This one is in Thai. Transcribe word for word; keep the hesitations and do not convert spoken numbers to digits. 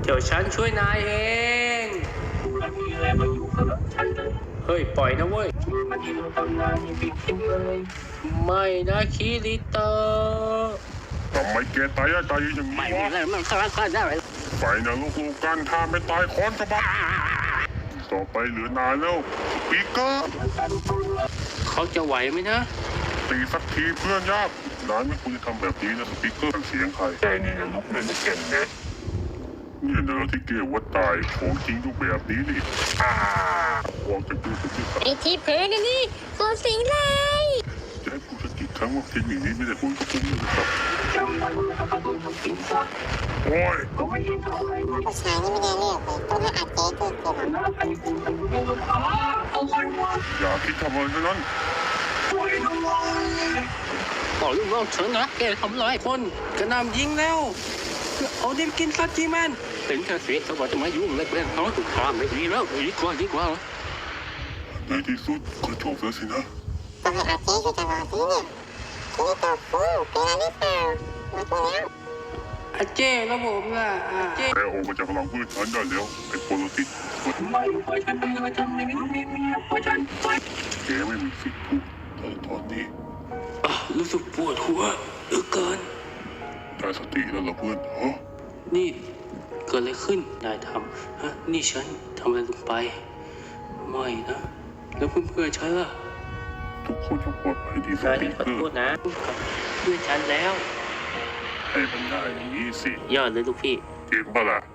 เดี๋ยวฉันช่วยนายเองเฮ้ยปล่อยนะเว้ยไม่นะคิริโตะทำไมแกตายตายอย่างนี้วะไม่มันก็ก็ได้ไปนะลูกๆกันถ้าไม่ตายค้อนกระบาต่อไปเหลือนายแล้วสปีกเกอร์เขาจะไหวไหมนะตีสักทีเพื่อนยากนายไม่ควรจะทำแบบนี้นะสปีกเกอร์เสียงใครแต่นี่นะลูกเล่นเก่งนะเนี่ยเนอที่เกว่าตายของจริงดูแบบนี้นี่อ้าวางจากตู้สปีกเกอร์ไอ้ที่เพ้อนี่นี่ตัวสิงเลยจะให้พูดสักกี่ครั้งว่าเทคนิคนี้ไม่ได้ผลกับผมเลยนะครับโอ้ยผู้ชายนี่ไม่ได้เลือกเลยต้องให้อาเจ๊เกิดเกิดอย่าคิดทำอะไรทั้งนั้นบอกลูกน้องเฉินนะแกทำร้ายคนกระนำยิงแล้วเอาดิมกินซะจีมันเป็นแค่เสียเขาบอกจะมายุ่งเลยเป็นเขาถูกทำไม่ดีแล้วดีกว่าดีกว่าในที่สุดก็จบแล้วสินะต้องให้อาเจ๊ช่วยตลอดสิเนี่ยทีนี้ตัวฟูเป็นอะไรหรือเปล่าหมดแล้วอาเจ้ระบบล่ะอาเจ้แกออกมาจากพลังพืชฉันได้แล้วไอ้โปรติสแกไม่มีสิทธิ์พูดแต่ตอนนี้รู้สึกปวดหัวเหลือเกินได้สติแล้วเหรอเพื่อนฮะนี่เกิดอะไรขึ้นนายทำฮะนี่ฉันทำอะไรลงไปไม่นะแล้วเพื่อนๆฉันล่ะทุกคนต้องปลอดภัยดีสนายติขอเพื่โทอษนะเพื่อนฉันแล้วให้มันได้อย่างนี้สิยอดเลยลูกพี่เก่งปะล่ะ